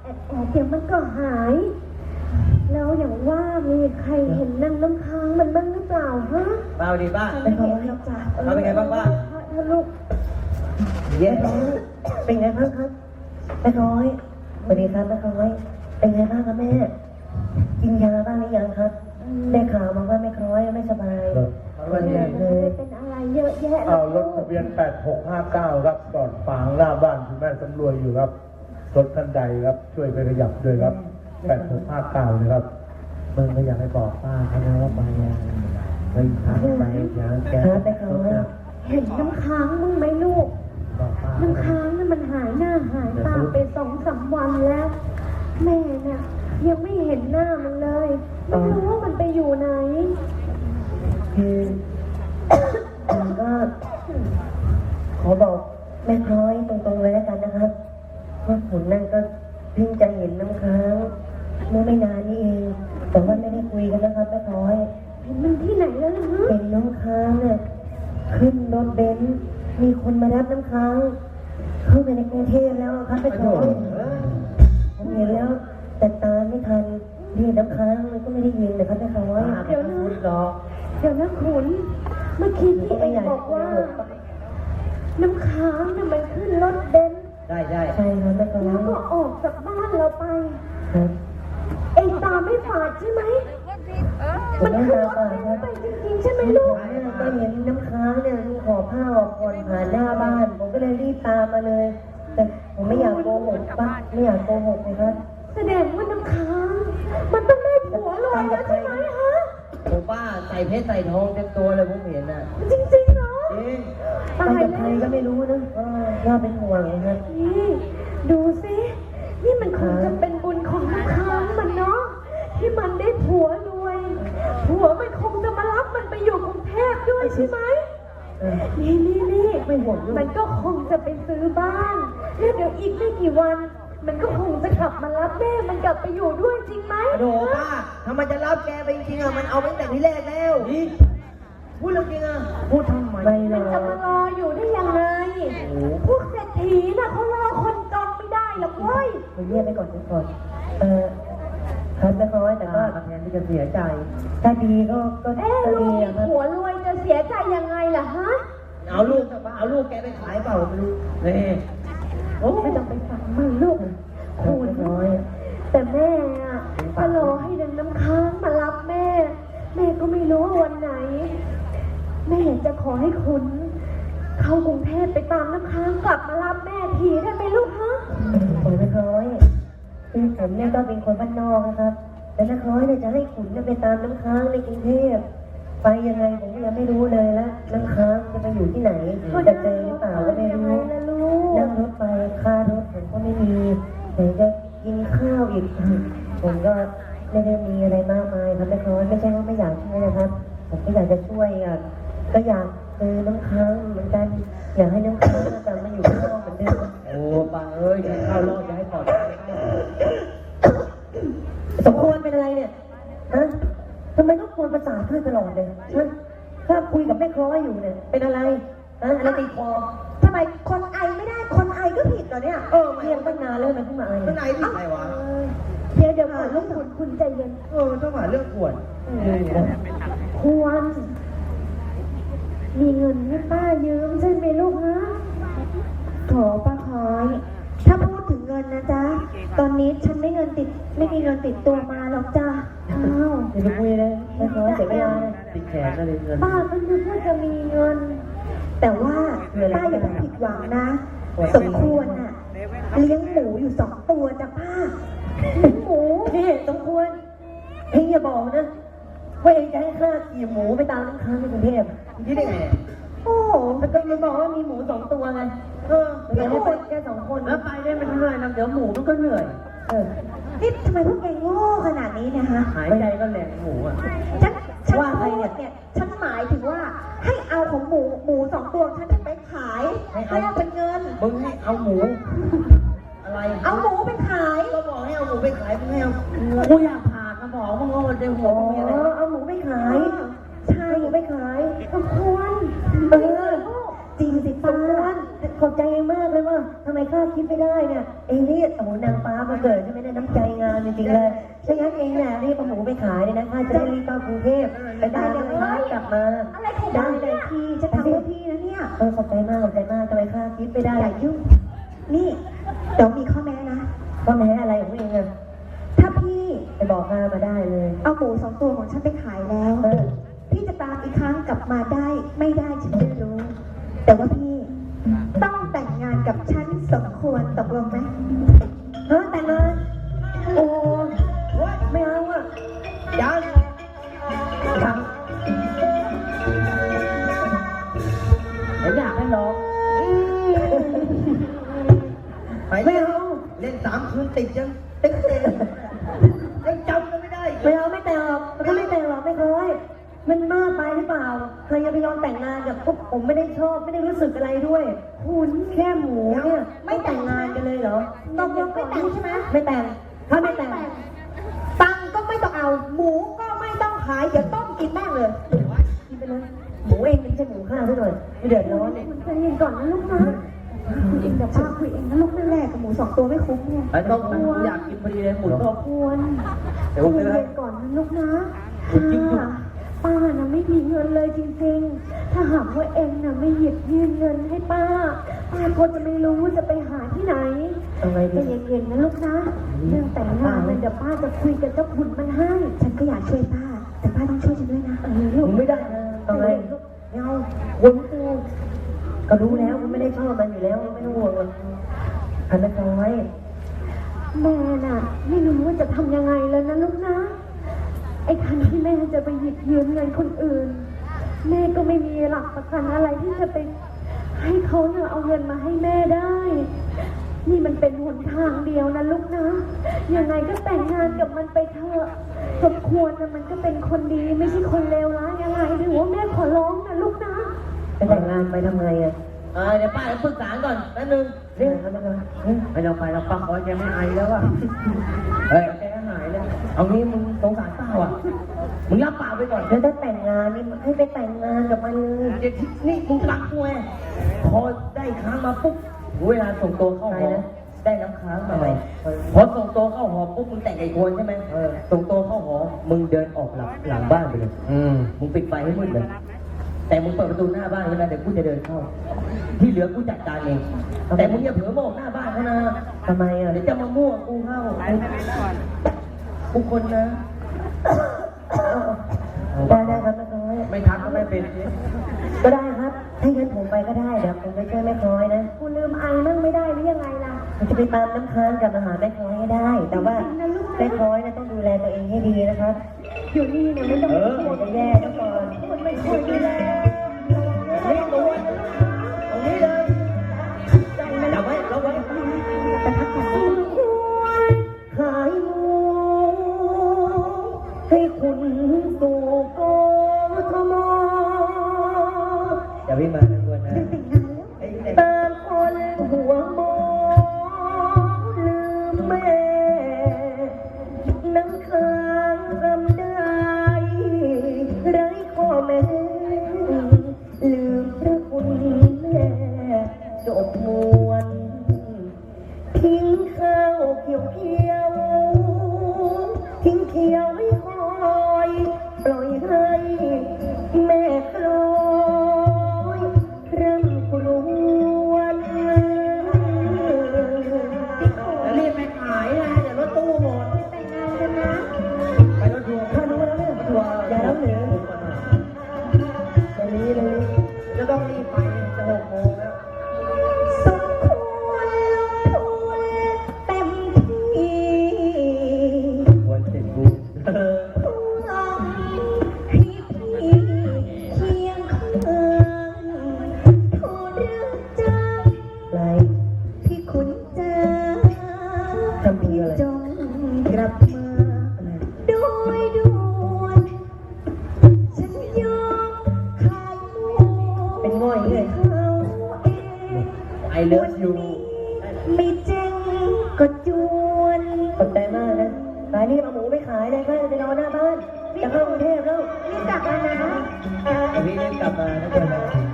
เดี๋ยวมันก็หายแล้วอย่างว่ามีใครเห็นนางน้ำค้างมันบ้างหรือเปล่าฮะเปล่าดีป้าไม่เห็นหรอกจ้ะเราเป็นไงบ้างป้าถ้าลูกเย้เป็นไงบ้างครับแม่น้อยสวัสดีครับแม่น้อยเป็นไงบ้างครับแม่กินยาบ้างหรือยังครับได้ข่าวมาว่าแม่น้อยไม่สบายวันนี้เลยเป็นอะไรเยอะแยะเอารถทะเบียน 8659 ครับจอดฝางหน้าบ้านคุณแม่สำรวยอยู่ครับรถคันใดครับช่วยไปขยับด้วยครับ 8659เลยครับมึงก็อยากให้บอกป้าเขานะว่าไปยังไปทางไปยังแกแม่น้อยเห็นน้ำค้างมึงไหมลูกบอกป้าน้ำค้างนั่นมันหายหน้าหายตาไป2-3 วันแล้ว แม่เนี่ยยังไม่เห็นหน้ามันเลยไม่รู้ว่ามันไปอยู่ไหนคือผมก็ขอบอกแม่น้อยตรงๆเลยแล้วกันนะครับว่าผมนั่นก็เพิ่งจะเห็นน้ำค้างเมื่อไม่นานนี้เองแต่ว่าไม่ได้คุยกันนะครับแม่น้อยเห็นมันที่ไหนแล้วล่ะฮะเป็นน้ำค้างเนี่ยขึ้นรถเบนซ์มีคนมารับน้ำค้างเข้าไปในกรุงเทพแล้วครับแม่น้อยผมเห็นแล้วแต่ตามไม่ทันเรียกน้ำค้างมันก็ไม่ได้ยินนะครับแม่น้อยเดี๋ยวนะขุนเมื่อกี้ที่เองบอกว่า น้ำค้างน่ะมันขึ้นรถเบนซ์ได้ใช่ครับแม่น้อแล้วยก็ออกจากบ้านเราไปครับเองตาไม่ฝาดใช่ไหมผมมันไม่ขึ้นตารถฝาดเบนครับซ์ไปจริงๆใช่ไหมลูกผมก็เห็นน้ำค้างเนี่ยขอผ้าออกก่อนผ่านหน้าบ้าน ผมก็เลยรีบตามมาเลย แต่ผมไม่อยากโกหกป้าไม่อยากโกหกเลยครับแสดงว่าน้ำค้าง มันต้องได้ผัวรวยแล้วใช่ไหมฮะโอ้ป้าใส่เพชรใส่ทองเต็มตัวเลยผมเห็นน่ะจริงๆเหรอจริงไปตายกับแล้ใครวก็ไม่รู้นะน่าเป็นห่วงนะครับนี่ดูสินี่มันคงจะเป็นบุญของน้ำค้างมันเนาะที่มันได้ผัวรวยผัวมันคงจะมารับมันไปอยู่กรุงเทพด้วยใช่ไหม นี่ไม่ห่วงลูกมันก็คงจะไปซื้อบ้านแล้วเดี๋ยวอีกไม่กี่วัน มันก็คงจะกลับมารับแม่มันกลับไปอยู่ด้วยจริงไหมโดป้าถ้ามันจะรับแกไปจริงๆอ่ะมันเอาไปตั้งแต่ที่แรกแล้วพูดเรื่องจริงอ่ะพูดทำไมไม่หรมันอจะมารออยู่ได้ยังไงพวกเศรษฐีน่ะเขารอคนจนไม่ได้หรอกเว้ยผมเรียกไปก่อนครับแม่น้อยแต่ก็แทนที่จะเสียใจถ้าดีก็ลูดีกอะครับผัวรวยจะเสียใจยังไงล่ะฮะเอาลูกแกไปขายเปล่าไม่รู้นี่โอ้ไม่ต้องไปฟังมันลูกคุณคุณน้อยแต่แม่อะก็รอให้นางน้ำค้างมารับแม่ แม่ก็ไม่รู้ว่าวันไหน แม่จะขอให้คุณเข้ากรุงเทพไปตามน้ำค้างกลับมารับแม่ทีได้ไหมลูกฮะผมแม่น้อยคือผมเนี่ยก็เป็นคนบ้านนอกนะครับแต่น้าน้อยเนี่ยจะให้ขุนเนี่ยไปตามน้ำค้างในกรุงเทพไปยังไงผมก็ยังไม่รู้เลยแล้วน้ำค้างจะไปอยู่ที่ไหนจะเจอหรือเปล่าก็ไม่ยังไงรู้ล่ะลูกนั่งรถไปค่ารถผมก็ไม่มีไหนจะกินข้าวอีก ผมก็ไม่ได้มีอะไรมากมายครับแม่น้อยไม่ใช่ว่าไม่อยากช่วยนะครับ ผมก็อยากจะช่วยอ่ะก็อยากเจอน้ำค้างเหมือนกันอยากให้น้ำค้างกลับมาอยู่ข้างนอกเหมือนเดิมโอ้ป้าเอ้ยจะเข้ารอดจะให้ปลอดภัยสมควรเป็นอะไรเนี่ยฮะทำไมต้องควรประสาทเพื่อนตลอดเลยฮะถ้าคุยกับแม่คล้อยอยู่เนี่ยเป็นอะไรฮะอะไรติดคอทำไมคนไอไม่ได้คนไอก็ผิดเหรอเนี่ยเรียนตั้งนานแล้วทำไมเพิ่งมาไอข้างในผิดอะไรวะเดี๋ยวก่อนลูกคุณใจเย็นต้องหาเรื่องขวดควร มีเงินให้ป้ายืมใช่ไหมลูกฮะโถป้าคอย ถ้าพูดถึงเงินนะจ๊ะ ตอนนี้ฉันไม่มีเงินติดตัวมาหรอกจ้ะอ้าวเดี๋ยวไปคุยเลยแม่คล้อยเสียเวลาเลยติดแขนก็เลยเงินป้าก็นึกว่าจะมีเงิน แต่ว่าป้าอย่าไปผิดหวังนะ สมควรน่ะเลี้ยงหมูอยู่2 ตัวจ้ะป้าเลี้ยงหมูพี่สมควรเองอย่าบอกนะว่าเองจะให้ข้าขี่หมูไปตามน้ำค้างที่กรุงเทพคิดได้ไงโอ้แล้วก็มันบอกว่ามีหมู2 ตัวไงเดี๋ยวให้ไปแค่2 คนแล้วไปได้ไม่เหนื่อยนะเดี๋ยวหมูมันก็เหนื่อยนี่ทำไมพวกแกโง่ขนาดนี้เนะฮะหายใจก็แหลกหมูอ่ะฉันว่าใครเนี่ยฉันหมายถึงว่าให้เอาของหมู2 ตัวฉันจะไปขายให้เอาเป็นเงินมึงให้เอาหมู อะไรเอาหมูไปขายก็บอกให้เอาหมูไปขายมึงให้เอากูอยากผ่าสมองมึงเอาในหัวอ๋อมึงมีอะไรเอาหมูไปขายใช่หมูไปขายสมควรเออจริงสิป้าขอบใจเองมากเลยว่าทำไมข้าคิดไม่ได้เนี่ยเองนี่โอ้โหนางฟ้ามาเกิดใช่ไหมเนี่ยน้ำใจงามจริงๆเลยถ้างั้นเองเนี่ยรีบเอาหมูไปขายเลยนะข้าจะได้รีบเข้ากรุงเทพไปตามนางฟ้ากลับมาอะไรของบ้านเลยพี่จะทำเพื่อพี่นะเนี่ยขอบใจมากขอบใจมากทำไมข้าคิดไม่ได้อย่ายุ่งนี่เดี๋ยวมีข้อแม้นะก็แม้อะไรของเองอะถ้าพี่ไปบอกข้ามาได้เลยเอาหมู2 ตัวของฉันไปขายแล้ว พี่จะตามอีกครั้งกลับมาได้ไม่ได้ฉันไม่รู้ แต่ว่าพี่ต้องแต่งงานกับฉันสมควรตกลงไหมฮะแต่งงานโอ้ไม่เอาอะยังยังอยากให้ร้องไปไม่เอาเล่น3 คืนติดยังติ๊กเต็มยังจำกันไม่ได้ไม่เอาไม่แต่งหรอกมันก็ไม่แต่งหรอกไม่เคยมันมากไปหรือเปล่าใครจะไปยอมแต่งงานกับพวกผมไม่ได้ชอบไม่ได้รู้สึกอะไรด้วยคุณแค่หมูเนี่ยไม่แต่งงานกันเลยเหรอตกลงไม่แต่งใช่ไหมไม่แต่งถ้าไม่แต่งตังค์ก็ไม่ต้องเอา หมูก็ไม่ต้องขายเดี๋ยวต้มกินแม่งเลยกินไปเลยหมูเองไม่ใช่หมูข้าวซะหน่อยไม่เดือดร้อนเนี่ยคุณใจเย็นก่อนนะลูกนะคุยเองเดี๋ยวป้าคุยเองนะลูกนั่นแหละกับหมู2 ตัวไม่คุ้มเนี่ยไอ้ต้องอยากกินพอดีเลยหมุนรอบควรเดี๋ยวผมคุยซื้อให้เย็นก่อนนะลูกนะป้าน่ะไม่มีเงินเลยจริงๆ ถ้าหากว่าเองน่ะไม่หยิบยื่นเงินให้ป้าก็จะไม่รู้ว่าจะไปหาที่ไหนเอาไงใจดีเย็นๆนะลูกนะเรื่องแต่งงานเนี่ยเดี๋ยวป้าจะคุยกับเจ้าคุณมันให้ ฉันก็อยากช่วยป้า แต่ป้าต้องช่วยฉันด้วยนะลูผกมไม่ได้นะเอาไงไม่เอาวนกูก็รู้แล้วมันไม่ได้ชอบมันอยู่แล้วไม่ต้องห่วงหรอกอันนั้นเอาไว้แม่น่ะไม่รู้ว่าจะทำยังไงแล้วนะลูกนะ ไอ้คันที่แม่จะไปหยิบยืมเงินคนอื่น แม่ก็ไม่มีหลักประกันอะไรที่จะไปให้เขาเนี่ยเอาเงินมาให้แม่ได้ นี่มันเป็นหนทางเดียวนะลูกนะ ยังไงก็แต่งงานกับมันไปเถอะสมควรนะมันก็เป็นคนดีไม่ใช่คนเลวร้ายอะไรหรือว่าแม่ขอร้องนะลูกนะไปแต่งงานไปทำไงอ่ะเดี๋ยวป้าปรึกษาก่อนแป๊บนึงเรื่องอะไรกันไปเราป้าขอแกไม่ไอแล้วอ่ะเฮ้ยแกหายเลยเอางี้มึงสงสารป้าอ่ะมึงรับป้าไปก่อนแล้วถ้าแต่งงานนี่ให้ไปแต่งงานกับมันเลยนี่มึงรักกูไงพอได้ค้างมาปุ๊บเวลาส่งตัวเข้าหอได้น้ำค้างมาใหม่พอส่งตัวเข้าหอปุ๊บมึงแต่งไอ้ควรใช่ไหมส่งตัวเข้าหอมึงเดินออกหลังบ้านไปเลยมึงปิดไฟให้มืดเลยแต่มึงเปิดประตูหน้าบ้านไว้นะเดี๋ยวกูจะเดินเข้า ที่เหลือกูจัดการเองแต่มึงอย่าเผลอมองหน้าบ้านเขานะทำไมอ่ะเดี๋ยวจะมามั่วกูเข้ากูคนนะได้ครับแม่ค้อยไม่ทักก็ไม่เป็นก็ได้ครับถ้างั้นผมไปก็ได้เดี๋ยวผมไปช่วยแม่ค้อยนะกูลืมไอนั่งไม่ได้หรือยังไงล่ะผมจะไปตามน้ำค้างกลับมาหาแม่ค้อยให้ได้ แต่ว่าแม่ค้อยนะต้องดูแลตัวเองให้ดีนะครับอยู่นี่เนี่ยไม่ต้องเดี๋ยวจะแย่ซะก่อนคนไม่ช่วยดูแลนี่ตัวตรงนี้เลยจับไว้ล็อกไว้แต่พักก่อนขายหมูให้คุณสู่กทมอย่าวิ่งมาควรนะจะแต่งงานแล้วไอ้เด็กตามคนหัวโมลืมแม่น้ำค้างรำได้ไร้ข้อแม้ลืมพระคุณแม่จบมวนทิ้งข้าวเขียวเขียวทิ้งเขียวไม่คอยปล่อยให้แม่คลอยเริ่มกลวนรีบไปขายนะเดี๋ยวรถตู้หมดแต่งงานกันนะไปรถทัวร์ถ้ารู้แล้วเนี่ยตัวอย่าแล้วเหนือตอนนี้เลยจะต้องรีบไปจะ6 โมงแล้วสมควรลงทุนเต็มที่วันเสร็จกูพวงพี่เคียงข้างทูลเรื่องใจไรพี่ขุนเจ้าทำมืออะไรจงกลับมาโดยด่วนฉันยอมขายหมูเป็นง่อยเลยเขาเองไอเลิฟยูไม่เจ๊งก็จวนขอบใจมากนะไปรีบเอาหมูไปขายเลยค่ะจะนอนหน้าบ้าน จะเข้ากรุงเทพแล้วนี่กลับมานะพี่รีบกลับมานะเดี๋ยวนะ